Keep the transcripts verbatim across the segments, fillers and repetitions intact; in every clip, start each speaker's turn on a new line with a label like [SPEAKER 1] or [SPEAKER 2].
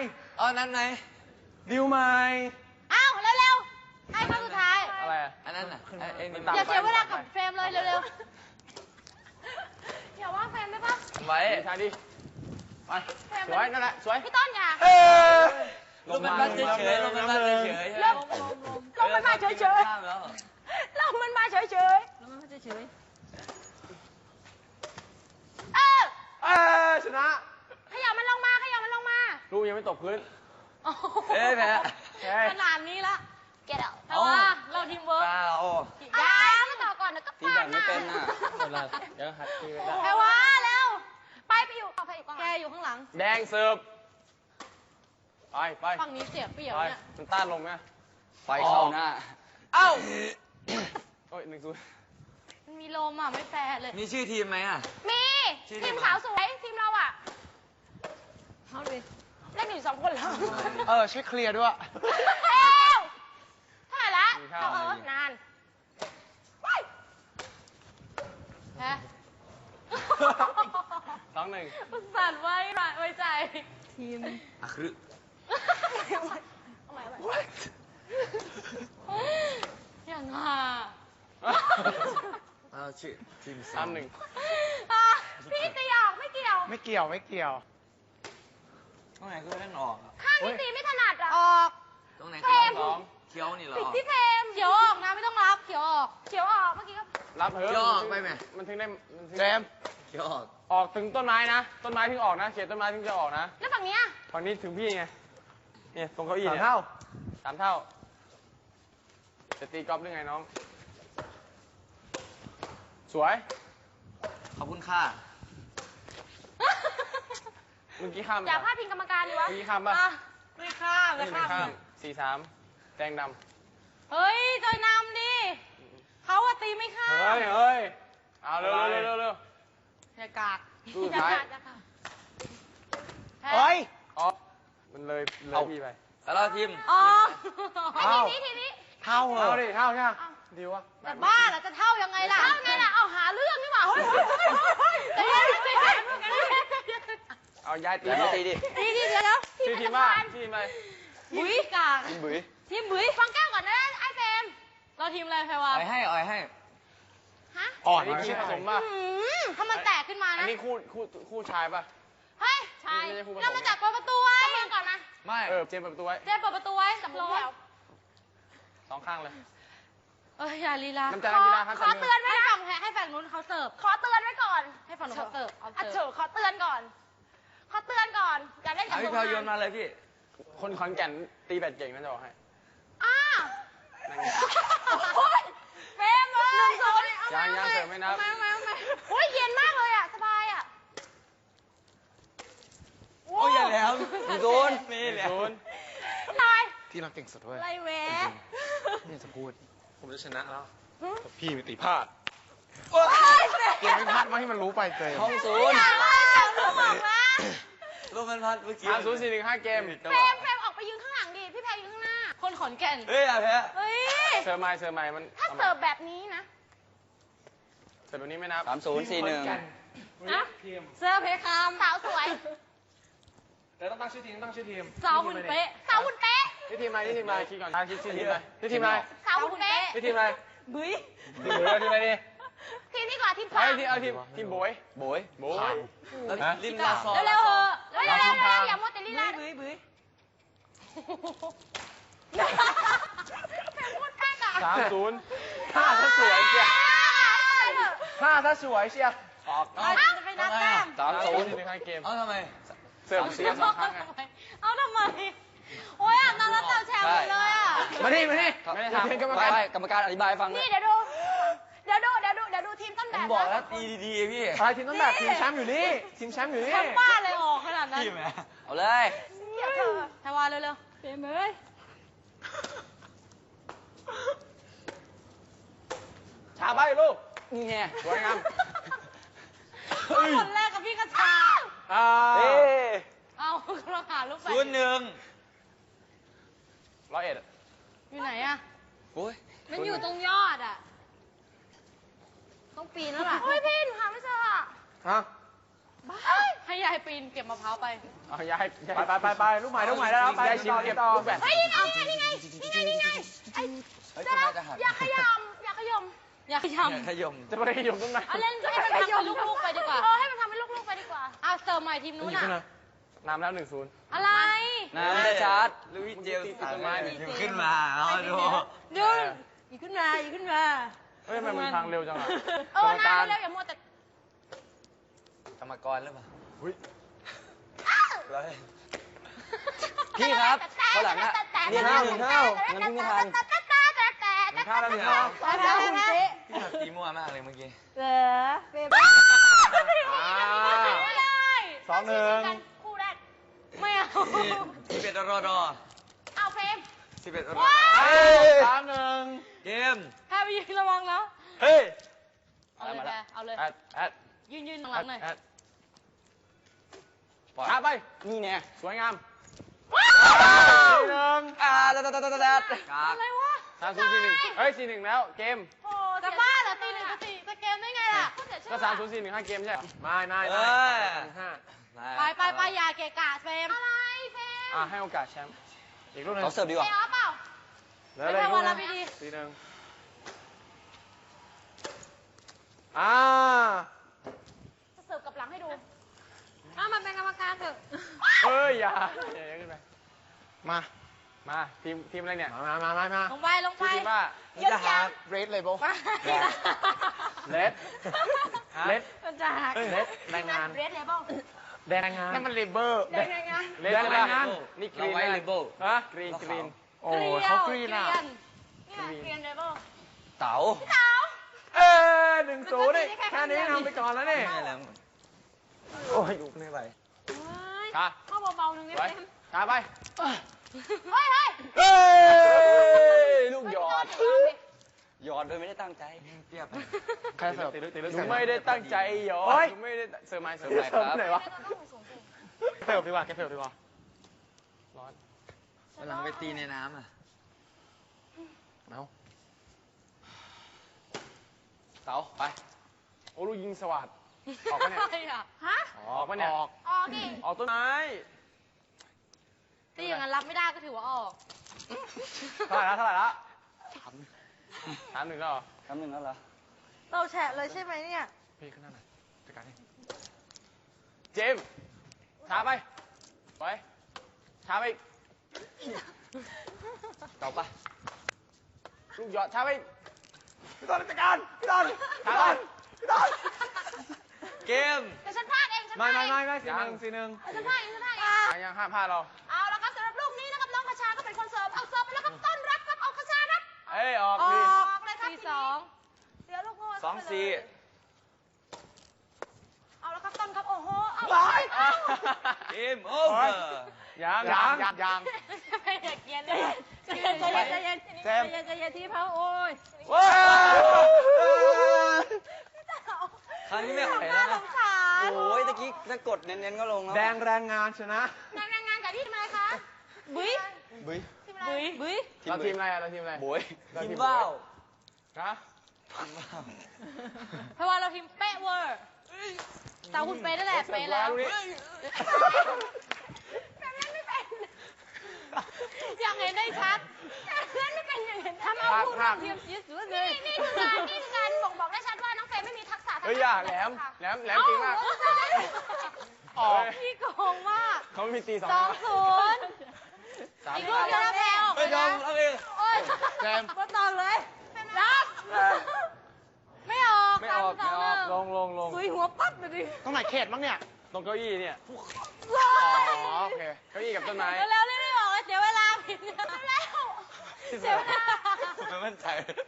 [SPEAKER 1] อ๋อนั้นไหน
[SPEAKER 2] ดิวใหม่
[SPEAKER 3] อ้าวเร็วๆให้ครั้งสุดท้าย
[SPEAKER 2] อะไร
[SPEAKER 1] อันนั้นน่ะไอ้นี่
[SPEAKER 3] อย่าเสียเวลากับเฟรมเลยเร็วๆอย่าว่าเฟรมได้ปะ
[SPEAKER 1] ไว้
[SPEAKER 2] ทางดิไปสวยนั่นแหละสวย
[SPEAKER 3] พี่ต้นอย่า
[SPEAKER 1] ลมมันมาเฉยๆลมมันมาเฉยๆ
[SPEAKER 3] ลมลมมันมาเฉยๆลมมันมาเฉยๆลมมันมาเฉยๆเออ
[SPEAKER 2] เออชนะ
[SPEAKER 3] ขยับมันลงมาขยับมันลงมา
[SPEAKER 2] ลูกยังไม่ตกพื้น
[SPEAKER 1] เอ้ยแพ้
[SPEAKER 3] ขนาดนี้ละเก็ตเอาแต่ว่าเราทีมเวิร์กยาไม่ต่อก่อนเดี๋ยวก็ตีแบบไม่เป็นน่ะ
[SPEAKER 2] เดี๋ยวหัดตีไปได้
[SPEAKER 3] แปลว่าเร็วไปไปอยู่แกอยู่ข้างหลัง
[SPEAKER 2] แดงเสิร์ฟไปไป
[SPEAKER 3] ฝั่งนี้เสียเปรียบเนี่ย
[SPEAKER 2] มันต้านลงไหม
[SPEAKER 1] ไฟเข้าหน้า
[SPEAKER 2] เอ้าโอ้ยหนึ่งศูนย์
[SPEAKER 3] มันมีลมอ่ะไม่แฟร์เลย
[SPEAKER 1] มีชื่อทีมไหมอ่ะ
[SPEAKER 3] มีทีมสาวสวยทีมเราอ่ะเอาดิเล่นอยู่สองคนแล้ว
[SPEAKER 2] เออช่วยเคลียร์ด้วย
[SPEAKER 3] เอ้วเท่าไหร่ละเอาเออนานฮะ
[SPEAKER 2] สองหนึ่ง
[SPEAKER 3] สั่นไว้ไว้ใจทีม
[SPEAKER 1] อะคือ
[SPEAKER 3] อย่างห่า
[SPEAKER 1] เอาชื่อทีม
[SPEAKER 2] สามหนึ่ง
[SPEAKER 3] พี่ตีออกไม่เกี่ยว
[SPEAKER 2] ไม่เกี่ยวไม่เกี่ยว
[SPEAKER 1] ตรงไหนคือเล่นออก
[SPEAKER 3] ข้างนี้ตีไม่ถนัดอ่ะออก
[SPEAKER 1] ตรงไหน
[SPEAKER 3] เฟรม
[SPEAKER 1] เขียวนี่เหรอ
[SPEAKER 3] ปิดที่เฟรมเขียวออกนะไม่ต้องรับเขียวออกเขียวออกเมื่อกี้ก็
[SPEAKER 2] รับเถอะ
[SPEAKER 1] เขียวออกไปไหม
[SPEAKER 2] มันถึงได้เจม
[SPEAKER 1] เขียวออก
[SPEAKER 2] ออกถึงต้นไม้นะต้นไม้ถึงออกนะเขตต้นไม้ถึงจะออกนะ
[SPEAKER 3] แล้วฝั่งนี้
[SPEAKER 2] ฝั่งนี้ถึงพี่ไงเนี่ยตรงเก้าอี้เนี่ยสามเท่าสามเท่าจะตีกอล์ฟได้ไงน้องสวย
[SPEAKER 1] ขอบคุณค่ะ
[SPEAKER 2] เมื่อกี้ข้าม
[SPEAKER 3] อย่าพลาดพิงกรรมการดีวะ
[SPEAKER 2] เมื่อกี้ข้ามป่ะ
[SPEAKER 3] ไม่ข้ามไม่
[SPEAKER 2] ข้ามสี่สามแดงด
[SPEAKER 3] ำเฮ้ยจอยนำดิเขาอะตีไม่ข้าม
[SPEAKER 2] เฮ้ยเฮ้ยเอาเร็วเร็วเร็วเร็ว
[SPEAKER 3] อย่ากาก
[SPEAKER 2] อย่ากาก
[SPEAKER 3] เฮ้ย
[SPEAKER 2] อ๋อมันเลยเลยพี่ไป
[SPEAKER 1] แล้วเราทีม
[SPEAKER 3] อ๋อทีนี้ทีนี้
[SPEAKER 2] เท่าเหรอดิเท่าใช่ไหมดีวะ
[SPEAKER 3] แต่บ้าแล้วจะเท่ายังไงล่ะเท่าไงล่ะเอาหาเรื่องนี่หว่าเฮ้ยเฮ้ยเฮ้ยเฮ้ย
[SPEAKER 2] เอาย้ายตี
[SPEAKER 1] ตีดิ
[SPEAKER 3] ตีดิเดี๋ยวแล้ว
[SPEAKER 2] ทีมทีมว่าทีมอะไร
[SPEAKER 3] บุ๋ยกาก
[SPEAKER 2] ทีมบุ๋ย
[SPEAKER 3] ทีมบุ๋ยฟังแก้วก่อนนะไอ้เฟมเราทีมอะไรแพรวา
[SPEAKER 1] อ่อยให้อ่อยให้
[SPEAKER 3] ฮะ
[SPEAKER 2] อ่อนนี่ชื่อผสมป่ะ
[SPEAKER 3] ถ้ามันแตกขึ้นมานะ
[SPEAKER 2] อันนี้คู่คู่คู่ชายป่ะ
[SPEAKER 3] เฮ้ยชายเรามาจากเปิดประตูไว้เปิดก่อนนะ
[SPEAKER 2] ไม่เออเจมเปิดประตูไว้
[SPEAKER 3] เจมเปิดประตูไว้สำรอง
[SPEAKER 2] สองข้างเลย
[SPEAKER 3] เอออย่าลีลาขอเตือนไว้นะให้ฝั่งให้ฝั่งนู้นเขาเสิร์ฟขอเตือนไว้ก่อนให้ฝั่งนู้นเขาเสิร์ฟอ่ะเฉยขอเตือนก่อนขอเตือนก่อนอย่าเล่นกับ
[SPEAKER 1] พี่พาโยนมาเลยพี่
[SPEAKER 2] คนขอนแก่นตีแบดเก่งนะจะบอกให้
[SPEAKER 3] อ้าเฟรมเลยหนึ่งศูนย์
[SPEAKER 2] ยังยังเสิร์ฟไม่นับ
[SPEAKER 3] มามามาโอ้ยเย็นมากเลยอ่ะสบายอ่ะ
[SPEAKER 1] โอ้ยอย่าแล้วหนึ่งศูนย์มีแล้ว
[SPEAKER 3] ตาย
[SPEAKER 2] ที่เราเก่งสุดเว้ย
[SPEAKER 3] ไรแหวะ
[SPEAKER 2] นี่จะพูดผมจะชนะแล้วพี่มีตีพลาดเก่งไม่พลาดว่าให้มันรู้ไปเลย
[SPEAKER 1] ห้องศูนย์ลูกมันพัดเมื่อกี้
[SPEAKER 2] สามศูนย์สี่หนึ่งห้าเกม
[SPEAKER 3] เฟรมเฟรมออกไปยืนข้างหลังดิพี่แพรยืนข้างหน้าคนขอนแก่น
[SPEAKER 1] เฮ้ยอะแพ้
[SPEAKER 3] เฮ้ย
[SPEAKER 2] เสิร์ฟไม้เสิร์ฟไม้มัน
[SPEAKER 3] ถ้าเสิร์ฟแบบนี้นะ
[SPEAKER 2] เสิร์ฟแบบนี้ไม่นับ
[SPEAKER 1] สามศูนย์สี่หนึ่ง
[SPEAKER 3] นะเสิร์ฟเพคามสาวสวย
[SPEAKER 2] แต่ต้องตั้งชื่อทีมตั้งชื่อทีม
[SPEAKER 3] สาวหุ่นเป๊ะสาวหุ่นเป๊ะ
[SPEAKER 2] นี่ทีมอะไรนี่ทีมอะไรคิดก่อนคิดชื่อทีมอะไรนี่ทีมอะไร
[SPEAKER 3] สาวหุ่นเป๊ะ
[SPEAKER 2] นี่ทีมอะไร
[SPEAKER 3] บุ้ย
[SPEAKER 2] ทีมบุ้ยทีมอะไรดี
[SPEAKER 3] ทีมนี้ก่อนทีมพา
[SPEAKER 2] เอาทีมเอาทีมทีมบุ้ย
[SPEAKER 1] บุ้ย
[SPEAKER 2] บุ้ย
[SPEAKER 1] ลิ้นลาซอ
[SPEAKER 3] เร็วๆเถอะเร็วๆเร็วๆอย่ามัวแต่ลีลา
[SPEAKER 1] บุ้ยบุ้ย
[SPEAKER 2] สามศูนย์ห้าถ้าสวยเชียห้าถ้าสวยเชียออก
[SPEAKER 3] จะไปนัดแต้ม
[SPEAKER 2] สามศูนย์หนึ่งห้าเกม
[SPEAKER 1] เอาทำไม
[SPEAKER 2] เสิร์ฟเสียสองครั้งไง
[SPEAKER 3] เอาทำไมโอ้ยอ่ะนอนแล้วเต่าแชร์หมดเลยอ่ะ
[SPEAKER 2] มาดิมาดิไม่ได้ถาม
[SPEAKER 1] กรรมการกรรมการอธิบายฟัง
[SPEAKER 3] นี่เดี๋ยวดูเดี๋ยวดูเดี๋ยวดูเดี๋ยวดูทีมต้นแบบ
[SPEAKER 1] ผมบอกแล้วตีดีๆพี่
[SPEAKER 2] อะไรทีมต้นแบบทีมแชมป์อยู่นี่ทีมแชมป์อยู่นี่
[SPEAKER 3] ทำบ้าเลยออกขนาดนั้น
[SPEAKER 1] เอาเลย
[SPEAKER 3] เดี๋ยวเธอทวารเร็วๆเฟรมเอ้ย
[SPEAKER 2] ชาใบลูก
[SPEAKER 1] นี่ไง
[SPEAKER 2] สวยงาม
[SPEAKER 3] คนแรกกับพี่กระชา
[SPEAKER 2] อ่า
[SPEAKER 3] เอาเราหาลูกไป
[SPEAKER 1] ศูนย์หนึ่ง
[SPEAKER 2] ร้อยเอ็ด
[SPEAKER 3] อยู่ไหนอะ
[SPEAKER 1] โอ้ย
[SPEAKER 3] มันอยู่ตรงยอดอะต้องปีนแล้วล่ะโอ้ยพี่หนูหาไม่เจออะ
[SPEAKER 2] ฮะ
[SPEAKER 3] ให้ยายปีนเก็บมะพร้าวไป
[SPEAKER 2] เอาย้าย
[SPEAKER 1] ไปไปไปไปลูกใหม่ลูกใหม่ได้แล้วไป
[SPEAKER 2] ย้ายชิม
[SPEAKER 1] ต่อ
[SPEAKER 2] เก็บ
[SPEAKER 1] ต่อ
[SPEAKER 2] ลูกแบต
[SPEAKER 3] เฮ้ยนี่ไงนี่ไงนี่ไงนี่ไงไอ้
[SPEAKER 1] เฮ้ยคุณน่าจะหัก
[SPEAKER 3] อย่าขยำอย่าขยำอย่าขยำ
[SPEAKER 1] ขยม
[SPEAKER 2] จะไปยมตรงไหน
[SPEAKER 3] เอาเล่นให้มันทำเป็นลูกๆไปดีกว่าเออให้มันทำเป็นลูกๆไปดีกว่าอ่ะเสิร์ฟใหม่ทีมนู้นอ่ะ
[SPEAKER 2] นำแล้วหนึ่งศูนย์
[SPEAKER 3] อะไร
[SPEAKER 1] น้ำได้ชาร์จลุยเจลต้นไม้อยู่ขึ้นมาเอาดู
[SPEAKER 3] ดึงอีกขึ้นมาอีกขึ้นมา
[SPEAKER 2] เฮ้ยทำไมมันทางเร็วจังอ่ะ
[SPEAKER 3] เออนะเร็วๆอย่ามัวแต่
[SPEAKER 1] กรรมกรหรือเปล่าพี่ครับข้างหลังอะเรียนที่หนึ่งเท่างั้นพี่ไม่ทัน
[SPEAKER 2] หนึ่งข้าวแล้วหนึ่งข้าว
[SPEAKER 3] ไปแล้วคุณเจ๊
[SPEAKER 1] พี่หักตีมั่วมากเลยเมื่อกี้
[SPEAKER 3] เหรอเบบี้เลย
[SPEAKER 2] สองหนึ่ง
[SPEAKER 3] คู่แรกไม่เอา
[SPEAKER 1] สิบเอ็ดรอดอ
[SPEAKER 3] เอาเฟรม
[SPEAKER 1] สิบเอ็ดรอด
[SPEAKER 2] เฮ้ยสามหนึ่ง
[SPEAKER 1] เกม
[SPEAKER 3] ถ้าไปยืนระวังนะ
[SPEAKER 2] เฮ้ย
[SPEAKER 3] เอาเลยแกเอาเลย
[SPEAKER 2] แอดแอด
[SPEAKER 3] ยืนยืนหลังหน่อย
[SPEAKER 2] แอดช้าไป นี่แน่สวยงามสี่หนึ่ง
[SPEAKER 1] อ่าดัดดัดดัดดัดกาก
[SPEAKER 3] อะไรวะ
[SPEAKER 2] สามศูนย์สี่หนึ่งเฮ้ยสี่หนึ่งแล้วเกม
[SPEAKER 3] โอ้จะบ้าเหรอตีหนึ่งจะตีจะเกมได้ไงล่ะ
[SPEAKER 2] ก็สามศูนย์สี่หนึ่งห้าเกมใช่ไม่ไม่
[SPEAKER 1] เอ
[SPEAKER 2] ไม่
[SPEAKER 1] อ
[SPEAKER 2] ห้า
[SPEAKER 3] ไปไปไปอย่าเกะกะเฟรมอะไรเฟรม
[SPEAKER 2] อ่ะให้โอกาสแชมป์อีกลูกหนึง
[SPEAKER 1] เขาเสิร์ฟดีกว่า
[SPEAKER 3] เตะออฟเปล่า
[SPEAKER 2] เหลืออะไรอีกลูกหนึง
[SPEAKER 3] ไม่ได้วันละไม่ดี
[SPEAKER 2] สี่หนึ่งอ่า
[SPEAKER 3] จะเสิร์ฟกับหลังให้ดูอ้ามันเป็นกรรมการเถอะ
[SPEAKER 2] เฮ้ยอย่าอย่าอย่าขึ้นไปมามาทีมทีมอะไรเนี่ยมามามามา
[SPEAKER 3] ลงไปลงไป
[SPEAKER 2] ชื่อทีมว่า
[SPEAKER 3] เยอะจัง
[SPEAKER 2] เรดเลยโบ
[SPEAKER 3] ไป
[SPEAKER 2] เลดเลด
[SPEAKER 3] มันจะหัก
[SPEAKER 2] เลดแรงงาน
[SPEAKER 3] เรดเลเบิล
[SPEAKER 2] แรงงานนั่นมันเลเบอร์
[SPEAKER 3] แรงงาน
[SPEAKER 2] เลดแรงงานนี่กรี
[SPEAKER 1] เรา
[SPEAKER 2] น
[SPEAKER 1] ไว้เลเบล
[SPEAKER 2] ฮะกรีนกรีนโอ้
[SPEAKER 3] เกลียว
[SPEAKER 2] เขากรีนอ่ะ
[SPEAKER 3] เกลียนนี่ไงเกลียนเลเบิล
[SPEAKER 1] เต๋า
[SPEAKER 3] พี่เต๋า
[SPEAKER 2] เออหนึ่งศูนย์นี่แค่นี้ทำไปก่อนแล้วนี่
[SPEAKER 1] ไม่แล้ว
[SPEAKER 2] โอ้ยดูไม่ไหว ค่ะ
[SPEAKER 3] เข้าเบาๆหนึ่งนิด
[SPEAKER 2] ไป
[SPEAKER 3] นึง
[SPEAKER 2] ช้าไป
[SPEAKER 3] เฮ้ยเฮ้ย
[SPEAKER 2] เฮ้ยลูกหยอด
[SPEAKER 1] หยอดโดยไม่ได้ตั้งใจเทียบ
[SPEAKER 2] ใครเสิร์ฟหนูไม่ได้ตั้งใจหยอดหนูไม่ได้เสิร์ฟไม้เสิร์ฟไหนครับไหนวะเสิร์ฟดีกว่าแกเสิร์ฟดีกว่าร้อน
[SPEAKER 1] วันหลังไปตีในน้ำอ่ะ
[SPEAKER 2] เอาเต๋าไปโอ้ลูกยิงสวัสดออกปะเนี่ย
[SPEAKER 3] อะไรอ่ะฮะ
[SPEAKER 2] ออกปะเนี่ยออก
[SPEAKER 3] ออกดิ
[SPEAKER 2] ออกต้นไม้
[SPEAKER 3] ตีอย่างนั้นรับไม่ได้ก็ถือว่าออก
[SPEAKER 2] เท่าไหร่ละเท่าไหร่ละถามหนึ่งแล้วเหรอ
[SPEAKER 1] คำหนึ่งแล้วเหรอ
[SPEAKER 3] เราแฉะเลยใช่ไหมเนี่ย
[SPEAKER 2] พี่ขึ้นหน้าหน่อยจัดการให้เจมส์ช้าไปไปช้าไป
[SPEAKER 1] เต๋าปะ
[SPEAKER 2] ลูกหยอดช้าไปพี่ตอนจัดการพี่ตอนช้าไปพี่ตอน
[SPEAKER 1] เกม
[SPEAKER 3] เดี๋ยวฉันพลาดเองฉันพ
[SPEAKER 2] ไม่
[SPEAKER 3] ลาด
[SPEAKER 2] ไม่
[SPEAKER 3] เอง
[SPEAKER 2] ไม่ไม่สี่หนึ่งสี่หนึ่ง
[SPEAKER 3] ฉันพลาดเองฉันพลาดเอง
[SPEAKER 2] ยังห้ามพลาดเรา
[SPEAKER 3] เอาละครับสำหรับลูกนี้นะครับน้องคชาก็เป็นคนเสิร์ฟเอาเสิร์ฟไปแล้วครับต้อนรับครับเอาคชาครับ
[SPEAKER 2] เอ้ยออก
[SPEAKER 3] อ
[SPEAKER 2] ดิ
[SPEAKER 3] อกเลยครับสี่สองเดี๋ยวลูกโง่
[SPEAKER 1] สองสี่
[SPEAKER 3] เอาละครับต้นครับโอ้โหเอา
[SPEAKER 2] ไป
[SPEAKER 1] เกมโอเวอร์
[SPEAKER 2] ยังยังยังยัง
[SPEAKER 3] ไม่อยากเย็นเลยใจเย็นใจเย็นใจเย็น
[SPEAKER 2] เจมส์
[SPEAKER 3] ใจเย็นใจเย็นที่เขาโอ้ย
[SPEAKER 2] ว้าว
[SPEAKER 1] ครั้งนี้ไม่ไหวแล้ว
[SPEAKER 3] ส
[SPEAKER 1] นะ
[SPEAKER 3] งสาร
[SPEAKER 1] โอ้ยตะกี้ถ้ากดเน้นๆก็ลงแล้ว
[SPEAKER 2] แดงแรงงานชนะ
[SPEAKER 3] งานงานกับที่ทำไมคะบุ้ย
[SPEAKER 1] บุ้ย
[SPEAKER 3] ทีมอะไรบุ้ย
[SPEAKER 2] เราทีมอะไรอะเราทีมอะไร
[SPEAKER 1] บุ้ย
[SPEAKER 2] เรา
[SPEAKER 1] ที
[SPEAKER 2] ที
[SPEAKER 1] ม
[SPEAKER 2] ม
[SPEAKER 1] ว้าว
[SPEAKER 2] ฮะ
[SPEAKER 1] ทีมว้าว
[SPEAKER 3] เพราะว่าเราทีมเป๊ะเวอร์แต่คุณเป๊ะนั่นแหละเป๊ะแล้ว
[SPEAKER 2] ลูกนี้
[SPEAKER 3] แต่เล่นไม่เป็นอยากเห็นได้ชัดเล่นไม่เป็นอย่างเห็นทำเอาพูดเทียมยืดสุดเลยนี่คือการนี่คือการบ่งบอกได้ชัดว่าน้องเฟรมไม่มีทักษะทาง
[SPEAKER 2] เฮ้ยอย่าแหลมแหลมแหลมจริงมาก ออก
[SPEAKER 3] พี่โกงมาก
[SPEAKER 2] เขามีตีสอง
[SPEAKER 3] สองศูนย์
[SPEAKER 2] สาม
[SPEAKER 3] อีกลูกเดียวแล้วแพ้ออก
[SPEAKER 1] ไม่ยอมเอาเอง
[SPEAKER 3] โอ้ย
[SPEAKER 2] แจม
[SPEAKER 3] มาต่อเลยรับไม่ออก
[SPEAKER 2] ไม่ออกไม่ออกลงลงลง
[SPEAKER 3] ซุยหัวปั๊บเลยดิ
[SPEAKER 2] ตรงไหนเขตบ้างเนี่ย ตรงเก้าอี้เนี่ย
[SPEAKER 3] ว้า
[SPEAKER 2] อ๋อโอเค เก้าอี้กับต้นไม้
[SPEAKER 3] เร็วๆเร็วๆออกเลยเสียเวลาผิดเร็วเสียเวลา
[SPEAKER 1] ไม่มั่นใจ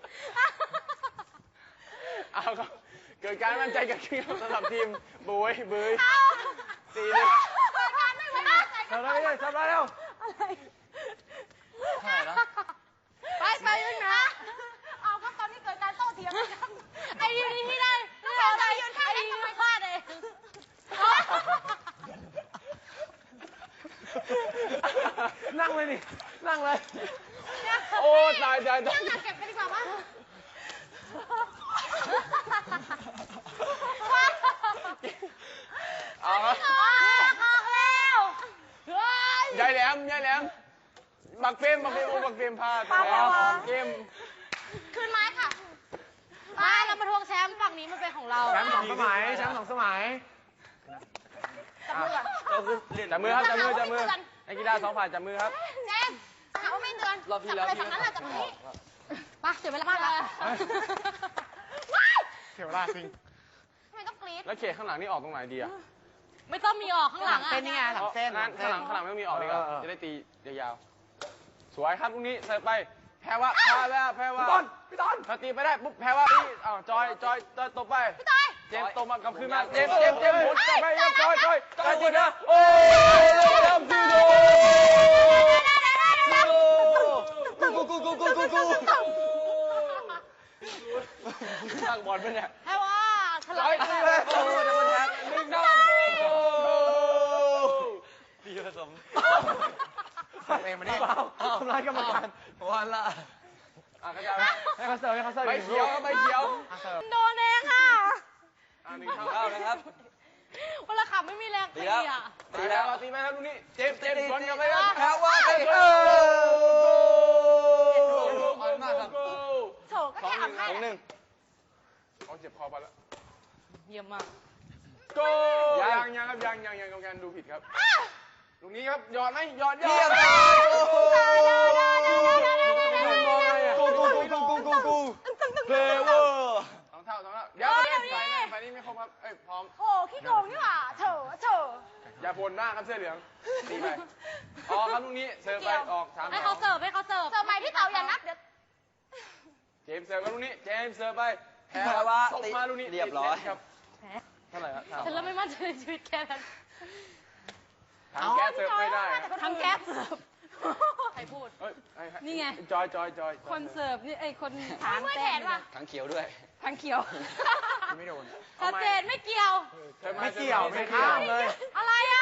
[SPEAKER 2] เอาก็เกิดการมั่นใจกับทีมสำหรับทีมบุยบุย
[SPEAKER 3] เอา
[SPEAKER 2] สี่หนึ่ง
[SPEAKER 3] เปิดการไม่ไว้วางใจ
[SPEAKER 2] ทำได้เลยทำได้แล้ว
[SPEAKER 3] อะไร
[SPEAKER 1] เท่าไหร่แล้ว
[SPEAKER 3] ไปไปยืนนะเอาครับตอนนี้เกิดการโต้เถียงกันครับไอ้ยืนที่ได้ไม่เอาอะไรยืนข้างไอ้ยืนพลาดเอง
[SPEAKER 2] นั่งเลยนี่นั่งเลย โอ้ตายตายตาย
[SPEAKER 3] เก็บไปดีกว่ามั้ง
[SPEAKER 2] เอาครับ
[SPEAKER 3] ออกออกแล้วเฮ้ย
[SPEAKER 2] ยายแหลมยายแหลมบักเฟรมบักเฟรมโอ้บักเฟรมพลาดแล้วเกม
[SPEAKER 3] คืนไม้ค่ะมาเรามาทวงแชมป์ฝั่งนี้มันเป็นของเรา
[SPEAKER 2] แชมป์สองสมัยแชมป์สองสมัย
[SPEAKER 3] จับมือก่อน
[SPEAKER 1] เราคือเรียน
[SPEAKER 2] จับมือครับจับมือจับมือนักกีฬาสองฝ่ายจับมือครับ
[SPEAKER 3] เจมส์หาว่าไม่เตือน
[SPEAKER 1] รอบที่แล้ว
[SPEAKER 3] จับ
[SPEAKER 1] พี่
[SPEAKER 3] อะไรฝั่งนั้นแหละจับตรงนี้ไปเสียเวลามากแล้ว
[SPEAKER 2] เขียวลาจริง
[SPEAKER 3] ทำไมต้องกรี๊ด
[SPEAKER 2] แล้วเขตข้างหลังนี่ออกตรงไหนดีอ่ะ
[SPEAKER 3] ไม่ต้องมีออกข้างหลังอ่ะ
[SPEAKER 4] เป็นยังไงหลังเส้น
[SPEAKER 2] นั้นข้างหลังข้างหลังไม่ต้องมีออกดีกว่าจะได้ตียาวๆสวยครับลูกนี้เสิร์ฟไปแพ้ว่าแพ้ว่าแพ้ว่าพี่ต้นพี่ต้นถ้าตีไปได้ปุ๊บแพ้ว่าตีอ้าวจอยจอยจอยตบไป
[SPEAKER 3] พี่ต้อย
[SPEAKER 2] เจมส์ตบมากลับคืนมาเจมส์เจมส์เจมส์หมุนกลับไปครับจอยจอยจอยตีนะโอ้ยทำจูโด
[SPEAKER 1] กูกูกูกูกูกูตั้งบอลไปเนี่ย
[SPEAKER 3] ให้ว่าทะ
[SPEAKER 2] จ
[SPEAKER 3] เลาะ
[SPEAKER 2] อย
[SPEAKER 3] กัน
[SPEAKER 2] ตีเลยโอ้ยเดี๋ยวมันแทงหนึ่งดาวโอ้
[SPEAKER 1] พี่ผสม
[SPEAKER 4] เองมานี่ทำร้ายกรรมการ
[SPEAKER 1] วันละ
[SPEAKER 2] อ่ะกระจาย
[SPEAKER 4] ให้เขาเสิร์ฟให้เขาเสิร์ฟ
[SPEAKER 2] ใบเขียวครับใบเขียว
[SPEAKER 3] โดนเองค่ะ
[SPEAKER 2] อ่ะหนึ่งเท่า
[SPEAKER 1] เข้านะครับ
[SPEAKER 3] เวลาขับไม่มีแรงตีอ่ะ
[SPEAKER 2] ตีแล้วตีไปครับลูกนี้เจมส์เจมส์บอลกลับไปครับ
[SPEAKER 1] แพ้ว่าไปเออขอบคุณมากครับ
[SPEAKER 3] โถก็แค่อ่ำให้
[SPEAKER 1] สองหนึ่ง
[SPEAKER 2] เอาเจ็บคอไปแล้ว
[SPEAKER 3] เยี่ยมมาก
[SPEAKER 2] โกยังยังครับยังยังยังกรรมการดูผิดครับลูกนี้ครับหยอดไหมหยอดหยอ
[SPEAKER 1] เยี่ย
[SPEAKER 2] ด
[SPEAKER 1] มเลยโอ้โหกูกูกูกูกูกูเพลเวอร์
[SPEAKER 2] สองเท่าสองเท่าเดี๋ยวเดี๋ยวฝ่ายนี้ฝ่ายนี้ไม่ครบครับเอ้ยพร้อม
[SPEAKER 3] โอ้ขี้โกงนี่หว่าเถอะเถอะ
[SPEAKER 2] อย่าพลหน้าครับเสื้อเหลืองตีไปออกครับลูกนี้เสิร์ฟไปออกสาม
[SPEAKER 3] ให้
[SPEAKER 2] สอ
[SPEAKER 3] เขา
[SPEAKER 2] ง
[SPEAKER 3] เสิร์ฟให้เขาเสิร์ฟเสิร์ฟใหม่พี่เต๋าอย่านับเดี๋ยว
[SPEAKER 2] เจมส์เสิร์ฟครับลูกนี้เจมส์เสิร์ฟไปแพ้
[SPEAKER 1] แพ้ว่า
[SPEAKER 2] ส่งมาลูกนี้
[SPEAKER 1] เรียบร้อย
[SPEAKER 2] ครับ
[SPEAKER 3] แหม
[SPEAKER 2] เท่าไหร่ครับ
[SPEAKER 3] ฉันเริ่มไม่มั่นใจในชีวิตแกแล้ว
[SPEAKER 2] ทางแก๊สเสิร์ฟไม่ได้
[SPEAKER 3] ทำแก๊สเสิร์ฟใครพูด
[SPEAKER 2] เอ้ยอ้อ้
[SPEAKER 3] นี่ไง
[SPEAKER 2] จอยจอยจอย
[SPEAKER 3] คนเสิร์ฟนี่ไอ้คนถามแต้มว่ะ
[SPEAKER 1] ทั้งเขียวด้วย
[SPEAKER 3] ทางเขียว
[SPEAKER 4] ไม่โดน
[SPEAKER 3] ชัดเจนไม่เกี่ยว
[SPEAKER 2] เสิร์ฟา
[SPEAKER 4] ไม่เกี่ยว
[SPEAKER 2] สิร์ฟา
[SPEAKER 4] ไม่ข้ามเลย
[SPEAKER 3] อะไรอ่ะ